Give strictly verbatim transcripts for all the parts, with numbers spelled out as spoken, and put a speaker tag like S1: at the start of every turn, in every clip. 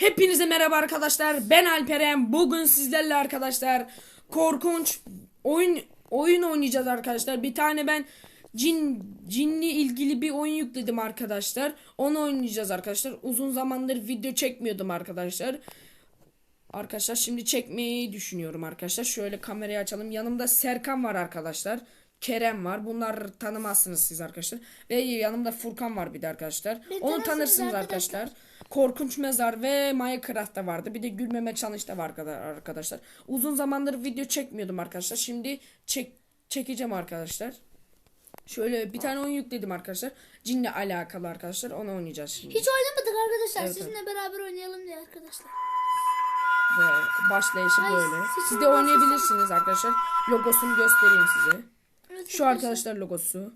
S1: Hepinize merhaba arkadaşlar. Ben Alperen. Bugün sizlerle arkadaşlar korkunç oyun oyun oynayacağız arkadaşlar. Bir tane ben cin cinli ilgili bir oyun yükledim arkadaşlar. Onu oynayacağız arkadaşlar. Uzun zamandır video çekmiyordum arkadaşlar. Arkadaşlar şimdi çekmeyi düşünüyorum arkadaşlar. Şöyle kamerayı açalım. Yanımda Serkan var arkadaşlar. Kerem var. Bunlar tanımazsınız siz arkadaşlar. Ve yanımda Furkan var bir de arkadaşlar.
S2: Beni
S1: Onu
S2: tanırsınız
S1: tanırsınız arkadaşlar.
S2: arkadaşlar.
S1: Korkunç Mezar ve Minecraft'ta vardı. Bir de Gülmeme Challenge'da var arkadaşlar. Uzun zamandır video çekmiyordum arkadaşlar. Şimdi çek çekeceğim arkadaşlar. Şöyle bir tane oyun yükledim arkadaşlar. Cinle alakalı arkadaşlar. Onu oynayacağız şimdi.
S2: Hiç oynamadık arkadaşlar.
S1: Evet,
S2: Sizinle beraber oynayalım diye arkadaşlar.
S1: Ve başlayışı
S2: Ay,
S1: böyle.
S2: siz
S1: Siz de
S2: bunu
S1: oynayabilirsiniz arkadaşlar. Logosunu göstereyim size.
S2: Evet,
S1: Şu arkadaşlar logosu.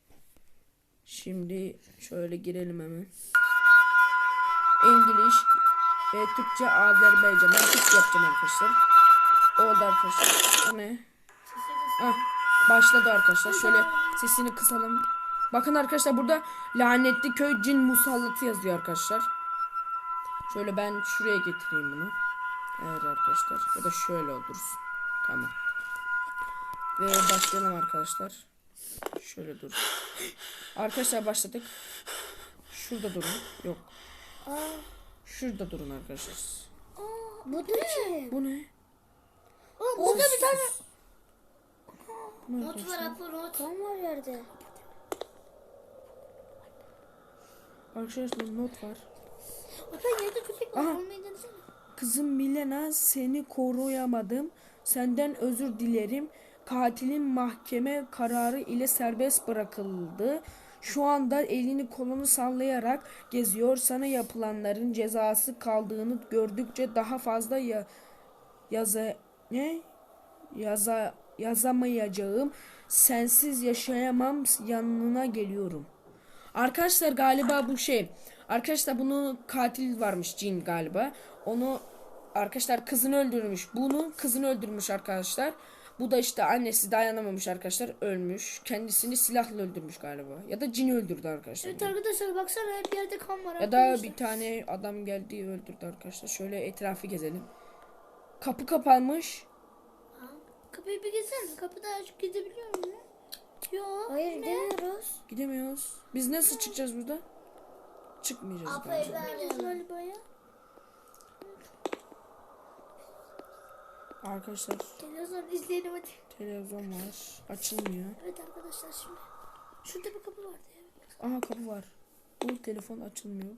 S1: Şimdi şöyle girelim hemen. İngiliz ve Türkçe, Azerbaycan. Ben Türkçe yapacağım arkadaşlar. Oldu arkadaşlar. O ne? Ah, başladı arkadaşlar. Şöyle sesini kısalım. Bakın arkadaşlar burada lanetli köy cin musallatı yazıyor arkadaşlar. Şöyle ben şuraya getireyim bunu. Evet arkadaşlar. Ya da şöyle olursun. Tamam. Ve başlayalım arkadaşlar. Şöyle dur. Arkadaşlar başladık. Şurada durun. Yok.
S2: Aa,
S1: Şurada durun arkadaşlar.
S2: aa, bu ne?
S1: Bu ne?
S2: Aa, burada bir tane
S1: Bu ne
S2: not var
S1: arkadaşlar?
S2: Apo, not. Kan var yerde.
S1: Arkadaşlar not var.
S2: Apo yerde köpek var.
S1: Aha.
S2: Olmayı denesene.
S1: Kızım Milena, seni koruyamadım. Senden özür dilerim. Katilin mahkeme kararı ile serbest bırakıldı. Şu anda elini kolunu sallayarak geziyor. Sana yapılanların cezası kaldığını gördükçe daha fazla ya yaza ne yaza yazamayacağım. Sensiz yaşayamam. Yanına geliyorum. Arkadaşlar galiba bu şey. Arkadaşlar bunu katil varmış, cin galiba. Onu arkadaşlar kızını öldürmüş. Bunu kızını öldürmüş arkadaşlar. Bu da işte annesi dayanamamış arkadaşlar, ölmüş. Kendisini silahla öldürmüş galiba. Ya da cin öldürdü arkadaşlar.
S2: Evet arkadaşlar baksana hep yerde kan var.
S1: Ya da
S2: arkadaşlar.
S1: bir tane adam geldi öldürdü arkadaşlar. Şöyle etrafı gezelim. Kapı kapanmış.
S2: Ha, kapıyı bir gezsene. Kapıda açıp gidebiliyor muyum? Yok.
S3: Hayır gidemiyoruz.
S1: Gidemiyoruz. Biz nasıl çıkacağız burada? Çıkmayacağız
S2: Apo
S1: bence.
S2: evleneceğiz galiba ya.
S1: Arkadaşlar
S2: Televizyon izleyelim hadi.
S1: televizyon var. Açılmıyor.
S2: Evet arkadaşlar şimdi. Şurada bir kapı vardı ya.
S1: Aha kapı var. Bu telefon açılmıyor.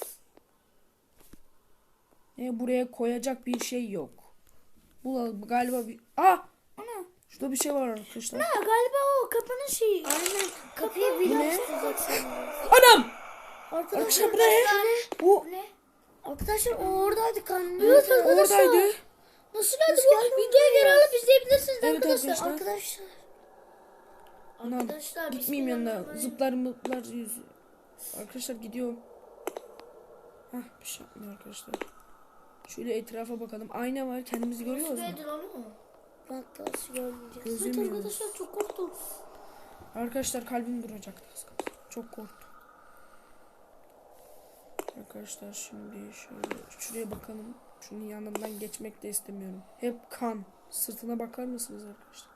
S1: E, buraya koyacak bir şey yok. Bu galiba bir... Ah!
S2: Ana.
S1: Şurada bir şey var arkadaşlar.
S2: Ha galiba o kapının şeyi.
S3: Aynen. Kapıyı
S1: Bu
S3: bir
S1: ne?
S3: açacaksın.
S1: Anam!
S2: Arkadaşlar
S1: Arkadaşlar bu ne? Bu
S2: ne?
S3: Arkadaşlar o oradaydı kanlı.
S2: Evet arkadaşlar.
S1: oradaydı.
S2: Nasıl geldi bu? Videoya geri alıp izleyebilirsiniz
S1: Evet
S2: arkadaşlar.
S1: arkadaşlar.
S3: Arkadaşlar.
S1: Anam,
S2: Arkadaşlar,
S1: gitmeyeyim yanına.
S2: bismillahirrahmanirrahim.
S1: Zıplar mıplar yüz. Arkadaşlar gidiyorum. Hah, bir şey yapmıyor arkadaşlar. Şöyle etrafa bakalım. Ayna var. Kendimizi görüyoruz mu?
S2: Nedir onu mu?
S3: Bak nasıl görmeyeceğiz.
S2: Evet
S1: Gözemiyoruz.
S2: arkadaşlar çok korktum.
S1: Arkadaşlar kalbim duracaktı. az kalsın. Çok korktum. Arkadaşlar şimdi şöyle şuraya bakalım. Şunun yanından geçmek de istemiyorum. Hep kan. Sırtına bakar mısınız arkadaşlar?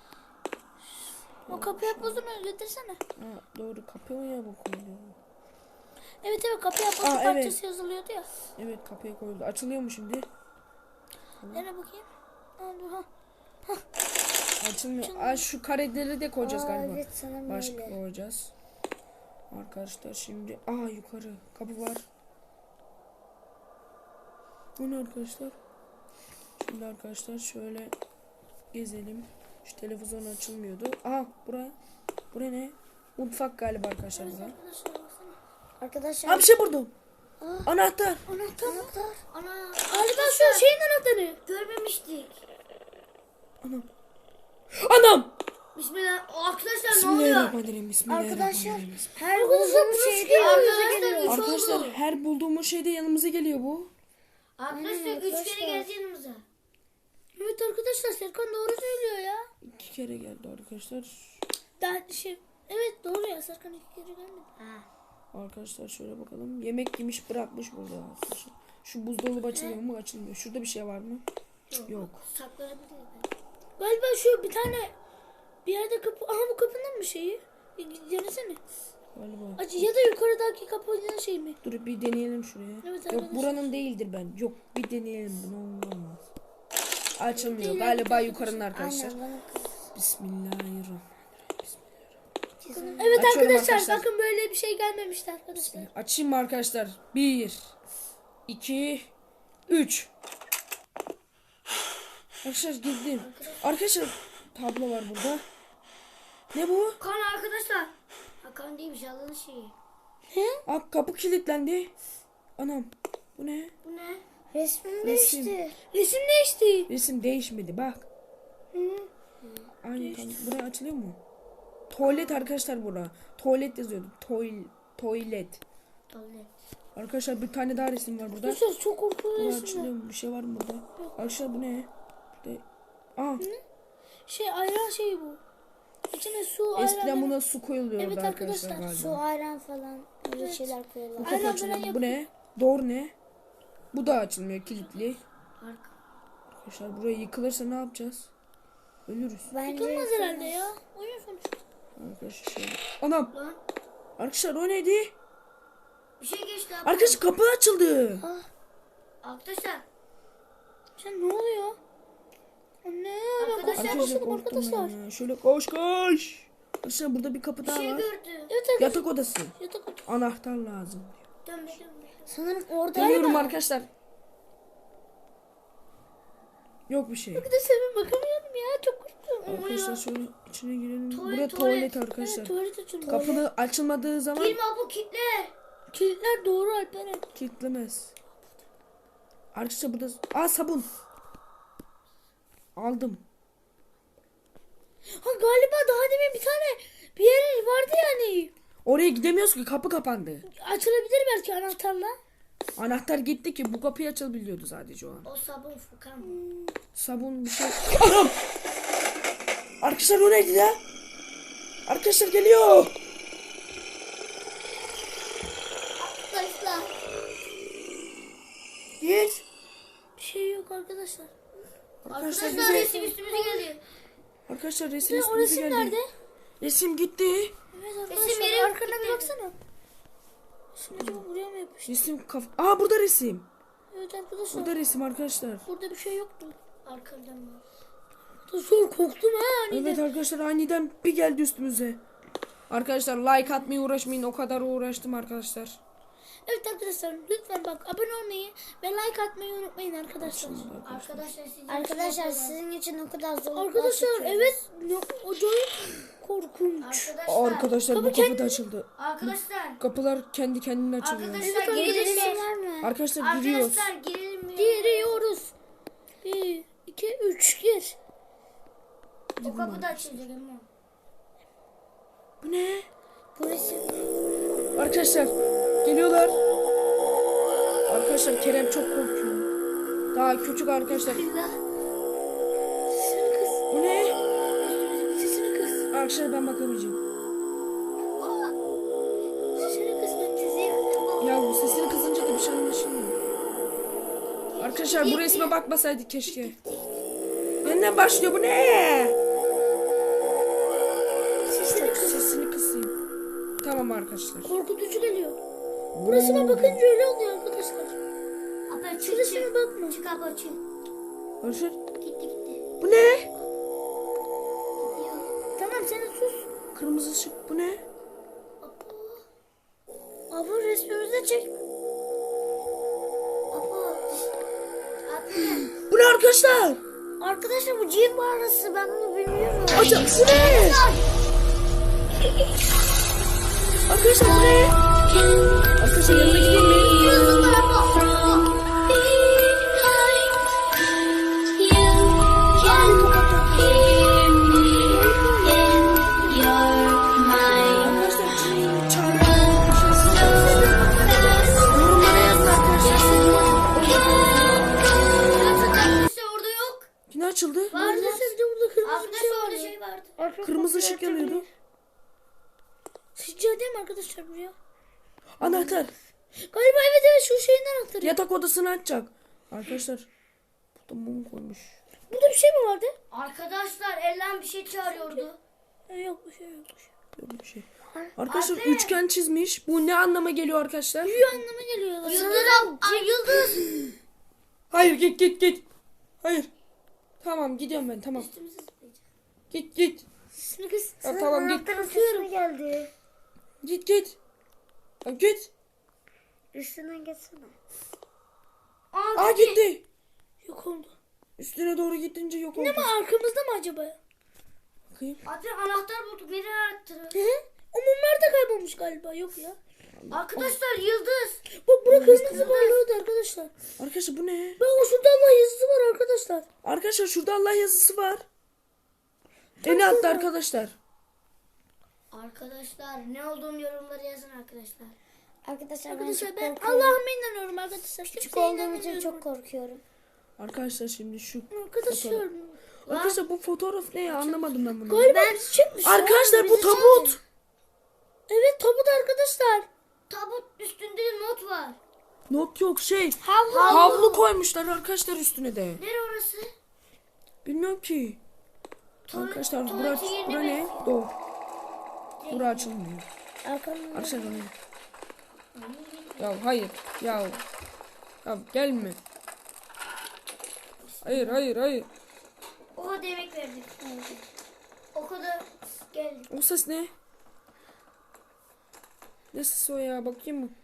S2: O kapıya bozunu getirsene.
S1: Ha, doğru, kapıya mı koyuluyor?
S2: Evet evet kapıya bozu
S1: Aa, evet.
S2: parçası yazılıyordu ya.
S1: Evet, kapıya koyuldu. Açılıyor mu şimdi?
S2: Nereye bakayım? Aa, ha.
S1: Açılmıyor. Aa, şu kareleri de koyacağız
S3: Aa,
S1: galiba.
S3: evet sana
S1: Başka
S3: böyle.
S1: koyacağız. Arkadaşlar şimdi aa yukarı kapı var. Bu ne arkadaşlar? Şimdi arkadaşlar şöyle gezelim. Şu televizyon açılmıyordu. Aa buraya. Buraya ne? Mutfak galiba arkadaşlar
S2: Evet
S1: buraya.
S2: arkadaşlar baksana.
S3: Arkadaşlar.
S1: Aa, bir şey buldum.
S3: Aa.
S1: Anahtar.
S2: Anahtar mı?
S3: Anahtar.
S2: Ana. Galiba şu şeyin anahtarı. Görmemiştik.
S1: Anam. Anam.
S2: Bismillah. O arkadaşlar ne oluyor?
S1: Bismillahirrahmanirrahim.
S3: Arkadaşlar
S1: Bismillahirrahmanirrahim.
S3: her bulduğumuz şeyde
S2: Arkadaşlar üç
S1: Arkadaşlar
S2: oldu.
S1: her bulduğumuz şeyde yanımıza geliyor bu.
S2: Arkadaşlar
S3: Aynen
S2: üç kere
S3: arkadaşlar.
S2: geldi yanımıza. Evet arkadaşlar Serkan doğru söylüyor ya.
S1: İki kere geldi arkadaşlar.
S2: Daha şey. Evet doğru ya Serkan iki kere gelmedi. Ha.
S1: Arkadaşlar şöyle bakalım. Yemek yemiş bırakmış burada arkadaşlar. Şu buzdolabı açılıyor mu? Açılmıyor. Şurada bir şey var mı? Yok.
S3: Saklanabilir mi?
S2: Galiba şu bir tane bir yerde kapı. Aha bu kapının mı şeyi? Bir denesene.
S1: Galiba.
S2: Aç ya da yukarıdaki kapının şey mi?
S1: Dur bir deneyelim şuraya.
S2: Evet,
S1: Yok
S2: arkadaşlar.
S1: buranın değildir ben. Yok bir deneyelim bunu. Olmaz. Açılmıyor. Galiba yukarının arkadaşlar.
S3: Aynen bana kız.
S1: Bismillahirrahmanirrahim.
S2: Evet
S1: Açıyorum
S2: arkadaşlar,
S1: arkadaşlar.
S2: bakın böyle bir şey gelmemişti arkadaşlar.
S1: Açayım mı arkadaşlar? Bir, iki, üç. Arkadaşlar girdim. Arkadaşlar tablo var burada. Ne bu?
S3: Kan arkadaşlar. Hakan değilmiş Allah'ın şeyi.
S1: Aa, kapı kilitlendi. Anam. Bu ne?
S3: Bu ne? Resmim
S1: Resim.
S3: değişti.
S2: Resim değişti.
S1: Resim değişmedi bak. Aynı tam. Buraya açılıyor mu? Tuvalet arkadaşlar bura. Tuvalet yazıyordu. Toil, tuvalet.
S3: Tuvalet.
S1: Arkadaşlar bir tane daha resim var burada.
S2: Arkadaşlar çok korkunç
S1: Bura
S2: resimler.
S1: açılıyor mu? Bir şey var mı burada? Arkadaşlar bu ne? Burada... Aa,
S2: Şey ayran şeyi bu. İçine su ayran.
S1: eskiden buna su koyuluyordu
S2: Evet
S1: arkadaşlar,
S2: arkadaşlar,
S1: galiba.
S3: Su, ayran falan öyle
S2: Evet.
S3: şeyler
S1: Bu
S3: koyuyorlar.
S1: kapı
S2: Aynen,
S1: açılıyor.
S2: böyle
S1: Bu ne? Doğru ne? Bu da açılmıyor, kilitli.
S3: Arka.
S1: Arkadaşlar buraya yıkılırsa ne yapacağız? Ölürüz.
S3: Bence
S2: Yıkılmaz herhalde ya. Oyun sonuçta.
S1: Arkadaşlar şöyle. Anam.
S3: Lan
S1: Arkadaşlar o neydi?
S3: bir şey geçti abi.
S1: Arkadaşlar kapı açıldı.
S3: Arkadaşlar.
S2: Sen ne oluyor? Anne ben
S3: Arkadaşlar,
S2: korkmaya
S1: Arkadaşlar
S2: başladım
S1: korktum
S2: arkadaşlar.
S1: ben ya. Şöyle koş koş. Arkadaşlar burada bir kapı
S3: Bir
S1: daha
S3: şey
S1: var.
S3: gördüm.
S2: Evet arkadaşlar.
S1: Yatak odası.
S2: Yatak odası.
S1: Anahtar lazım.
S3: Dönme dönme. Sanırım orada
S1: Dönüyorum arkadaşlar. Yok bir şey.
S2: Arkadaşlar ben bakamıyorum ya, çok korktum.
S1: Arkadaşlar şöyle içine girelim.
S3: Tuvalet,
S1: Buraya
S3: tuvalet.
S1: tuvalet arkadaşlar.
S2: Evet, tuvalet açıldı.
S1: Kapını açılmadığı zaman
S3: Girme bu kitle.
S2: Kilitler doğru Alperen.
S1: kilitlemez. Arkadaşlar burada... Aa sabun. Aldım.
S2: Ha galiba daha demin bir tane bir yer vardı yani.
S1: Oraya gidemiyoruz ki kapı kapandı.
S2: Açılabilir belki anahtarla.
S1: Anahtar gitti ki bu kapıyı açabiliyordu sadece o an.
S3: O sabun Furkan.
S1: Sabun bir şey... Anam! Arkadaşlar o neydi ya? Arkadaşlar geliyor.
S3: Arkadaşlar.
S1: Git.
S2: Bir şey yok arkadaşlar.
S1: Arkadaşlar
S3: Arkadaşlar
S1: bize...
S3: resim üstümüze geldi.
S1: Arkadaşlar resim
S2: Ve o
S1: üstümüze
S2: resim
S1: geldi.
S2: nerede?
S1: Resim gitti.
S2: Evet
S3: Resim
S2: arkadaşlar
S3: yere
S2: arkana bir
S3: gitti.
S2: baksana. Şimdi acaba buraya mı yapıştı?
S1: Resim kaf... Aa burada resim.
S2: Evet arkadaşlar.
S1: Burada resim arkadaşlar.
S2: Burada bir şey yoktu.
S3: Arkadan mı?
S2: Zor korktum ha aniden.
S1: Evet arkadaşlar aniden bir geldi üstümüze. Arkadaşlar like atmayı uğraşmayın. O kadar uğraştım arkadaşlar.
S2: Evet arkadaşlar lütfen bak abone olmayı ve like atmayı unutmayın arkadaşlar.
S3: Arkadaşlar sizin
S4: Arkadaşlar
S3: için
S4: sizin için o kadar zor.
S2: Arkadaşlar evet ne- acayip korkunç.
S3: Arkadaşlar.
S1: Arkadaşlar bu
S2: Kapı
S1: kapı
S2: kendi-
S1: da açıldı.
S3: Arkadaşlar.
S1: Kapılar kendi kendine açılıyor.
S3: Arkadaşlar
S2: Evet,
S3: girelim
S4: Arkadaşlar
S3: mi?
S4: var mı?
S1: Arkadaşlar giriyoruz.
S3: Arkadaşlar girelim mi?
S2: Giriyoruz. Bir, iki, üç, gir.
S3: O kapı da açılacak ama.
S1: Bu ne?
S4: Bu resim.
S1: Arkadaşlar geliyorlar. Arkadaşlar Kerem çok korkuyor. Daha küçük arkadaşlar.
S2: Bismillah. Sesini kız.
S1: Bu ne?
S2: Sesini kız.
S1: Arkadaşlar ben bakamayacağım.
S2: Sesini kız. Ben sizi.
S1: Ya bu sesini kızınca da bir şey anlaşılmıyor. Arkadaşlar bu resme bakmasaydık keşke. Yeniden başlıyor bu ne?
S2: Sesini kız.
S1: Sesini kısayım. Tamam arkadaşlar.
S2: Korkutucu geliyor. Burasına bakınca öyle oluyor arkadaşlar.
S3: Abi çık
S2: Şurasına
S3: çık.
S2: bakma.
S3: Çık abi çık.
S1: Arkadaşlar
S3: Gitti gitti.
S1: bu ne?
S3: Gidiyor.
S2: Tamam sen sus.
S1: Kırmızı ışık bu ne?
S2: Abi resmimizi çek.
S3: Baba. Abi.
S1: Bu ne arkadaşlar?
S4: Arkadaşlar bu cin mağarası, ben bunu bilmiyorum.
S1: Hocam bu ne? Arkadaşlar bu ne? Arkadaşlar yanına gideyim mi? Arkadaşlar çağırın. Yorumlara yazın arkadaşlar.
S3: Arkadaşlar orada yok.
S1: Yine açıldı.
S2: Arkadaşlar bir de burada kırmızı bir şey
S3: Arkadaşlar
S2: var.
S3: orada şey vardı.
S1: Kırmızı ışık yanıyordu.
S2: Sıcağı değil mi arkadaşlar buraya?
S1: Anahtar.
S2: Galiba evet evet şu şeyin anahtarı
S1: yatak odasını açacak. Arkadaşlar burada mum koymuş.
S2: Burada bir şey mi vardı?
S3: Arkadaşlar Ellen bir şey çağırıyordu.
S2: E, yok bir şey yok. bir şey.
S1: Böyle bir şey. Arkadaşlar
S3: Abi.
S1: üçgen çizmiş. Bu ne anlama geliyor arkadaşlar?
S2: Bir anlama geliyor.
S3: Yıldız ab- Ay, Yıldız.
S1: Hayır git git git. Hayır. Tamam gidiyorum ben tamam.
S3: Üstümüzü zıplayacak.
S1: Git git.
S2: Şimdi kız.
S1: Ya, tamam git.
S4: Anahtarın sesi geldi.
S1: Git git. Ya, git.
S4: Üstünden geçsene.
S3: Aa,
S1: Aa gitti.
S2: Yok oldu.
S1: Üstüne doğru gittince yok oldu.
S2: Ne mi arkamızda mı acaba?
S1: Bakayım.
S3: Abi anahtar bulduk. Nereye anahtarı?
S2: Hı? O mumlar da kaybolmuş galiba. Yok ya.
S3: Arkadaşlar Yıldız.
S2: Bak bura kırmızı parlıyordu arkadaşlar.
S1: Arkadaşlar bu ne?
S2: Bak o şurada Allah yazısı var arkadaşlar.
S1: Arkadaşlar şurada Allah yazısı var. En altta arkadaşlar.
S3: Arkadaşlar ne olduğunu yorumlara yazın arkadaşlar.
S4: Arkadaşlar,
S2: Arkadaşlar
S4: ben
S2: ben
S4: çok korkuyorum.
S2: Allah'ıma inanıyorum arkadaşlar.
S4: Küçük
S2: Kimseye
S4: olduğum için
S2: inanmıyorum.
S4: çok korkuyorum.
S1: Arkadaşlar şimdi şu
S2: Arkadaşlar.
S1: Arkadaşlar bu fotoğraf ne ya anlamadım ben bunu.
S2: Galiba bir çıkmış. ya.
S1: Arkadaşlar bu
S2: Bizi
S1: tabut.
S2: çağırdı. Evet tabut arkadaşlar.
S3: Tabut üstünde de not var.
S1: Not yok şey.
S2: Havlu.
S1: Havlu koymuşlar arkadaşlar üstüne de.
S3: Nere orası?
S1: Bilmiyorum ki.
S3: Tuvalet-
S1: Arkadaşlar bura,
S3: tuvaletin yerine
S1: bura ne?
S3: benziyor.
S1: Doğu. Bura açılmıyor.
S4: Arkamda.
S1: Arkadaşlar bu ne? Ya hayır. Ya. Ya gelme. Hayır hayır hayır.
S3: O kadar emek verdik. O kadar geldik.
S1: O ses ne? Ne sesi o ya? Bakayım mı?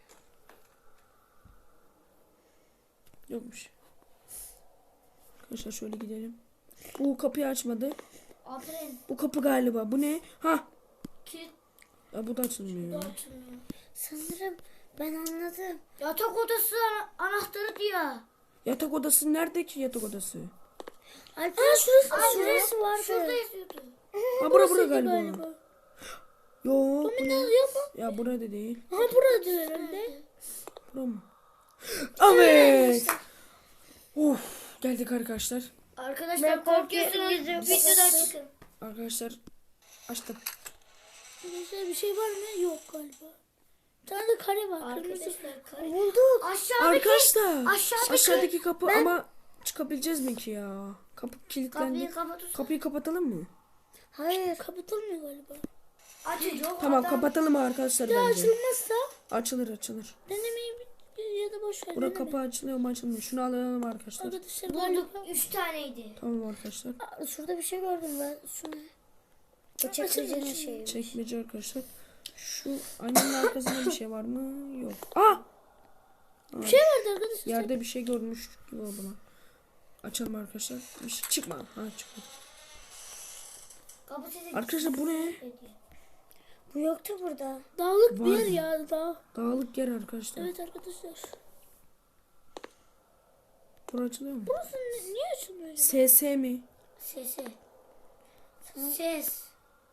S1: Yokmuş. Arkadaşlar şöyle gidelim. Bu kapıyı açmadı.
S3: Aferin.
S1: Bu kapı galiba. Bu ne? Ha.
S3: Kilit
S1: Ya bu da açılmıyor. ya.
S3: açılmıyor.
S4: Sanırım ben anladım.
S3: Yatak odası ana- anahtarı diyor.
S1: Yatak odası nerede ki yatak odası?
S4: Alper şurası,
S3: Aa,
S4: şurası vardı.
S3: Şurada yazıyordu.
S1: Ha bura bura
S2: Burası
S1: galiba.
S2: galiba.
S1: Yok.
S2: Ne yazıyor mu?
S1: Ya burada değil.
S2: Ha burada herhalde.
S1: Bura mı? Evet. Of. Geldik arkadaşlar.
S3: Arkadaşlar korkuyorsunuz. Videodan çıkın.
S1: Arkadaşlar açtım.
S2: Arkadaşlar bir şey var mı? Yok galiba. Bir tane de kare var. Kırmızı.
S3: Arkadaşlar kare.
S4: Bulduk.
S3: Aşağıdaki
S1: Arkadaşlar
S3: aşağıdaki-
S1: aşağıdaki kapı ama çıkabileceğiz mi ki ya? Kapı kilitlendi.
S3: kapıyı kapatırsan.
S1: Kapıyı kapatalım mı?
S4: Hayır.
S2: Kapatılmıyor galiba.
S3: Açacağım.
S1: Tamam
S3: adam-
S1: kapatalım arkadaşlar
S2: Ya
S1: bence.
S2: açılmazsa
S1: Açılır açılır.
S2: denemeyi bir- ya da boş ver.
S1: Bura
S2: deneme.
S1: kapı açılıyor mu açılmıyor. Şunu alalım arkadaşlar.
S2: Arkadaşlar
S3: Bulduk.
S2: galiba.
S3: Üç taneydi.
S1: Tamam arkadaşlar.
S4: Aa, şurada bir şey gördüm ben. Şu ne? O çekmecenin şeyi.
S1: Çekmece arkadaşlar. Şu annenin arkasında bir şey var mı? Yok. Aa!
S2: Bir şey vardı arkadaşlar.
S1: Yerde bir şey görmüş gibi oldu lan. Açalım arkadaşlar. Bir şey çıkma. Ha çıktı.
S3: Kapı sesi.
S1: Arkadaşlar bu ne?
S4: Bu yoktu burada.
S2: Dağlık
S1: Var
S2: bir yer
S1: mı?
S2: ya dağ.
S1: Dağlık yer arkadaşlar.
S2: Evet arkadaşlar.
S1: Bura açılıyor mu?
S2: Burası ni- niye açılmıyor acaba?
S1: S S mi?
S3: Sesi. Ses.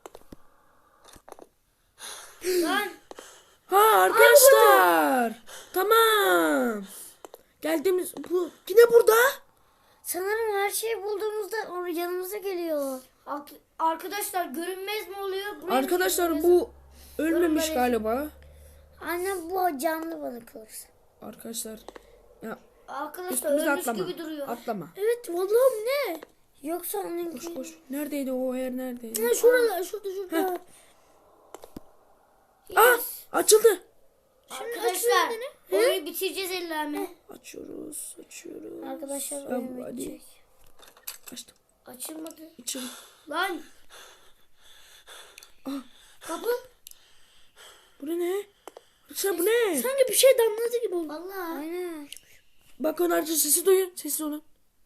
S3: Lan.
S1: Ha arkadaşlar. Tamam. Geldiğimiz bu yine burada.
S4: Sanırım her şeyi bulduğumuzda o yanımıza geliyor.
S3: Ak- Arkadaşlar görünmez mi oluyor? Buraya
S1: Arkadaşlar
S3: görünmez.
S1: bu ölmemiş
S3: Görünmez.
S1: galiba.
S4: Anne bu canlı balık olursa.
S1: Arkadaşlar ya
S3: Arkadaşlar
S1: üstümüze
S3: ölmüş
S1: atlama.
S3: gibi duruyor.
S1: Atlama.
S2: Evet vallahi ne?
S4: Yoksa onun
S1: Koş koş. Neredeydi o yer neredeydi?
S2: Ha şurada şurada şurada.
S1: Aa açıldı.
S3: Arkadaşlar
S2: açılıyor
S3: oyunu bitireceğiz ellerle.
S1: Açıyoruz, açıyoruz.
S4: Arkadaşlar
S1: Ya,
S4: oyun
S1: hadi.
S4: bitecek.
S1: Açtım.
S3: Açılmadı.
S1: İçim.
S3: Lan.
S1: Ah.
S3: Kapı.
S1: Bu ne? Arkadaşlar bu ne?
S2: Sanki bir şey damladı gibi oldu.
S3: Vallahi.
S4: Aynen.
S1: Bakın arkadaşlar sesi duyun. Sessiz olun.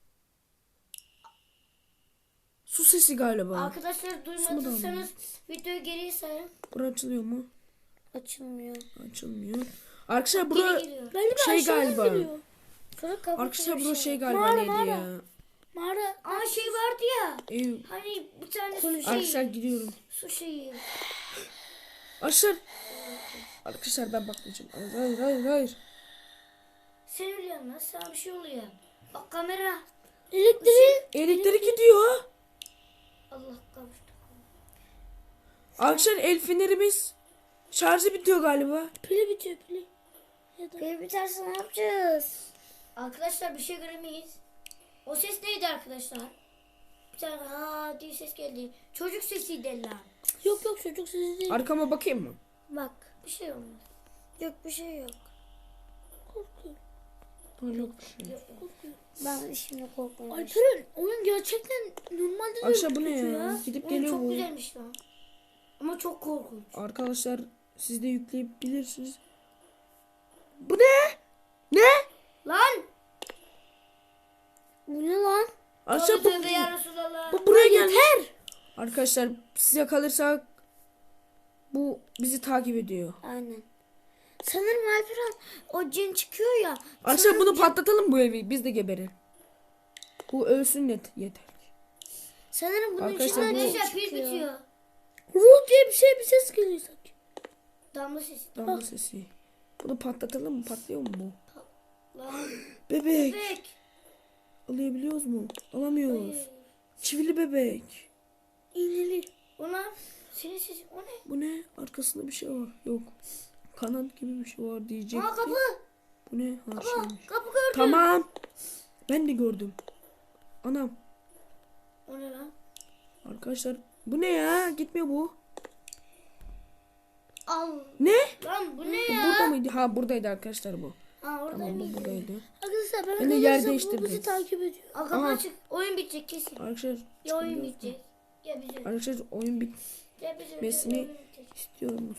S1: Su sesi galiba.
S3: Arkadaşlar duymadıysanız videoyu geriye sayın.
S1: Bura açılıyor mu?
S4: Açılmıyor.
S1: Açılmıyor. Arkadaşlar bura
S3: Geri giriyor.
S2: Galiba
S1: şey
S2: aşağıdan
S1: galiba.
S2: geliyor.
S4: Sonra kapı
S1: Arkadaşlar
S4: bir
S1: bura
S4: şey.
S1: şey galiba
S2: Mağara,
S1: neydi
S2: mağara.
S1: ya?
S2: Mağara.
S3: Aa şey vardı ya.
S1: Ev.
S3: Hani bir tane su
S1: Arkadaşlar
S3: şeyi.
S1: gidiyorum.
S3: Su şeyi.
S1: Arkadaşlar. Arkadaşlar ben bakmayacağım. Hayır hayır hayır. hayır.
S3: Sen ölüyorsun lan. Sana bir şey oluyor. Bak kamera.
S2: Elektriği.
S1: Elektrik gidiyor.
S3: Allah kavuştu.
S1: Arkadaşlar el fenerimiz şarjı bitiyor galiba.
S2: Pili bitiyor pili. Ya da
S4: Pil biterse ne yapacağız?
S3: Arkadaşlar bir şey göremeyiz. O ses neydi arkadaşlar? Bir tane ha diye ses geldi. Çocuk sesiydi lan.
S2: Yok yok çocuk sesi değil.
S1: Arkama bakayım mı?
S4: Bak.
S3: Bir şey olmaz.
S4: Yok bir şey yok.
S2: Korkuyorum.
S1: Ha, yok bir şey.
S3: Yok, yok.
S4: Ben şimdi korkmuyorum.
S2: Alperen oyun gerçekten normalde de
S1: Arkadaşlar bu ne
S2: kötü
S1: ya? Gidip
S3: Oyun
S1: geliyor
S3: çok
S1: bu.
S3: güzelmiş lan. Ama çok korkunç.
S1: Arkadaşlar siz de yükleyebilirsiniz. Bu ne? Ne?
S3: Lan!
S4: Bu ne lan?
S1: Arkadaşlar bu,
S3: Tövbe tövbe ya Resulallah.
S1: bu buraya gelmiş. Arkadaşlar size kalırsa bu bizi takip ediyor.
S4: Aynen. Sanırım Alperen o cin çıkıyor ya.
S1: Arkadaşlar bunu patlatalım bu evi. Biz de geberelim. Bu ölsün net yeter.
S4: Sanırım bunun
S1: Arkadaşlar
S4: içinden
S1: bu-
S4: cin
S3: Arkadaşlar pil
S4: çıkıyor.
S3: bitiyor.
S2: Ruh diye bir şey bir ses geliyor sanki.
S3: Damla sesi.
S1: Damla sesi. Bunu patlatalım mı? Patlıyor mu bu?
S3: Lan.
S1: Bebek.
S3: Bebek.
S1: Alabiliyoruz mu? Alamıyoruz.
S3: Hayır.
S1: Çivili bebek.
S2: İğneli.
S3: Ona senin sesin o ne?
S1: Bu ne? Arkasında bir şey var. Yok. Kanat gibi bir şey var diyecektim.
S3: Aa kapı.
S1: Bu ne? Ha,
S3: Kapı.
S1: şeymiş.
S3: Kapı gördüm.
S1: Tamam. Ben de gördüm. Anam.
S3: O ne lan?
S1: Arkadaşlar bu ne ya? Gitmiyor bu.
S3: Al.
S1: Ne?
S3: Lan bu ne
S1: Bu
S3: ya?
S1: burada mıydı? Ha buradaydı arkadaşlar bu.
S3: Ha orada
S1: Tamam bu
S3: mıydı?
S1: buradaydı.
S2: Arkadaşlar ben
S1: Ben de yer
S2: arkadaşlar bu
S1: değiştirdim.
S2: bizi takip ediyor.
S3: Aa kapı
S1: Aha.
S3: açık. Oyun bitecek kesin.
S1: Arkadaşlar
S3: Ya oyun
S1: çıkabiliyoruz mu?
S3: bitecek. Ya bize.
S1: Arkadaşlar oyun bit
S3: Ya bize.
S1: bitmesini
S3: Oyun bitecek.
S1: istiyor musunuz?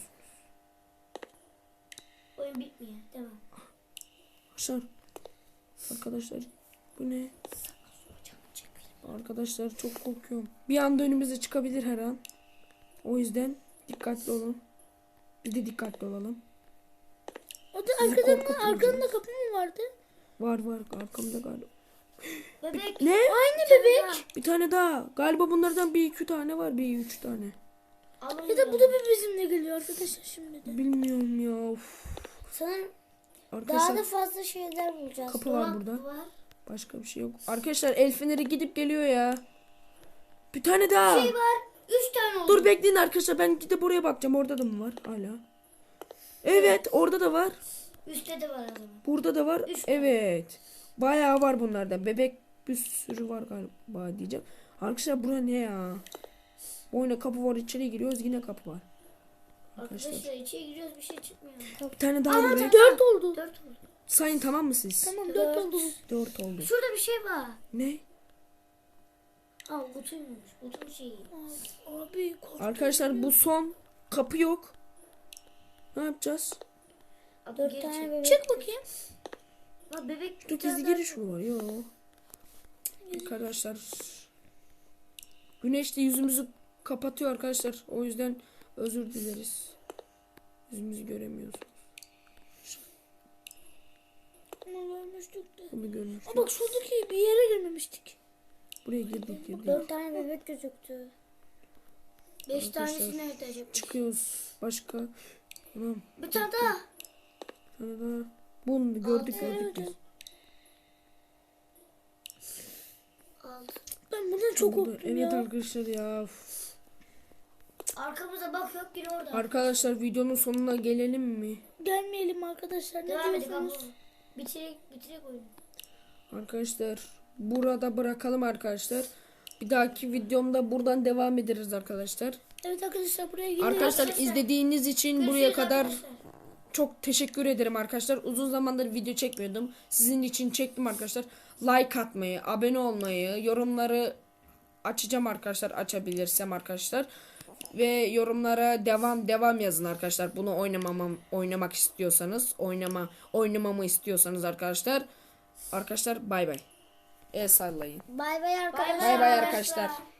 S3: Oyun bitmiyor. Devam.
S1: Arkadaşlar. Arkadaşlar bu ne? Arkadaşlar çok korkuyorum. Bir anda önümüze çıkabilir her an. O yüzden dikkatli olun. Biz de dikkatli olalım.
S2: O da
S1: Sizi
S2: arkadan
S1: korkutmayacağız.
S2: arkanda kapı mı vardı?
S1: Var var arkamda galiba.
S3: Bebek.
S1: Ne?
S2: Aynı bebek.
S1: Bir tane daha. Galiba bunlardan bir iki tane var. Bir üç tane.
S3: Alın
S2: Ya da bu da bir bizimle geliyor arkadaşlar şimdi de.
S1: Bilmiyorum ya. Of.
S4: Sanırım daha
S1: Arkadaşlar
S4: da fazla şeyler bulacağız.
S1: kapı var burada.
S3: Var.
S1: Başka bir şey yok. Arkadaşlar el feneri gidip geliyor ya. Bir tane daha.
S3: Şey var. Üç tane oldu.
S1: Dur bekleyin arkadaşlar. Ben gidip oraya bakacağım. Orada da mı var? Hala. Evet. Orada da var.
S3: Üstte de var adamın.
S1: Burada da var.
S3: Üç tane.
S1: Evet. Bayağı var bunlardan. Bebek bir sürü var galiba diyeceğim. Arkadaşlar bura ne ya? Bu oyuna kapı var. İçeri giriyoruz. Yine kapı var. Arkadaşlar.
S3: Arkadaşlar içeri giriyoruz bir şey çıkmıyor.
S1: Bir tane daha var. be.
S2: Dört oldu.
S3: Dört oldu.
S1: Sayın tamam mı siz?
S2: Tamam dört
S3: Dört.
S2: oldu.
S1: Dört oldu.
S3: Şurada bir şey var.
S1: Ne?
S3: Aa kutuymuş. Kutunun şeyi.
S2: Abi korktum.
S1: Arkadaşlar bu son. Kapı yok. Ne yapacağız?
S3: Abi
S4: Dört
S3: geri
S4: tane
S3: çek.
S4: bebek.
S2: Çık bakayım.
S3: Lan bebek.
S1: Dur
S3: bir tane
S1: gizli
S3: daha-
S1: giriş mi var? Yok. Arkadaşlar. Güneş de yüzümüzü kapatıyor arkadaşlar. O yüzden özür dileriz. Yüzümüzü göremiyoruz.
S2: Bunu görmüştük de.
S1: Bunu görmüştük.
S2: Aa, bak şuradaki bir yere girmemiştik.
S1: Buraya girdik girdik.
S4: Dört tane bebek gözüktü.
S3: Beş
S1: Arkadaşlar,
S3: tanesini nerede acaba?
S1: Çıkıyoruz. Başka. Tamam.
S3: Bir tane daha.
S1: Bir tane daha. Bunu gördük
S3: Altı,
S1: gördük biz.
S3: Aldı.
S2: Ben bundan çok
S1: Burada-
S2: korktum
S1: Evet
S2: ya.
S1: arkadaşlar ya. Uf.
S3: Arkamıza bak yok yine orada.
S1: Arkadaşlar videonun sonuna gelelim mi?
S2: Gelmeyelim arkadaşlar. Ne
S3: Devam edelim
S2: diyorsunuz?
S3: abla. Bitirek, bitirek oyunu.
S1: Arkadaşlar burada bırakalım arkadaşlar. Bir dahaki videomda buradan devam ederiz arkadaşlar.
S2: Evet arkadaşlar buraya gidelim.
S1: Arkadaşlar izlediğiniz için buraya
S3: Görüşürüz
S1: kadar
S3: arkadaşlar.
S1: çok teşekkür ederim arkadaşlar. Uzun zamandır video çekmiyordum. Sizin için çektim arkadaşlar. Like atmayı, abone olmayı, yorumları açacağım arkadaşlar, açabilirsem arkadaşlar. Ve yorumlara devam devam yazın arkadaşlar. Bunu oynamamam oynamak istiyorsanız, oynama oynamamı istiyorsanız arkadaşlar. Arkadaşlar bay bay. El sallayın.
S4: Bay bay arkadaşlar.
S1: Bay bay arkadaşlar.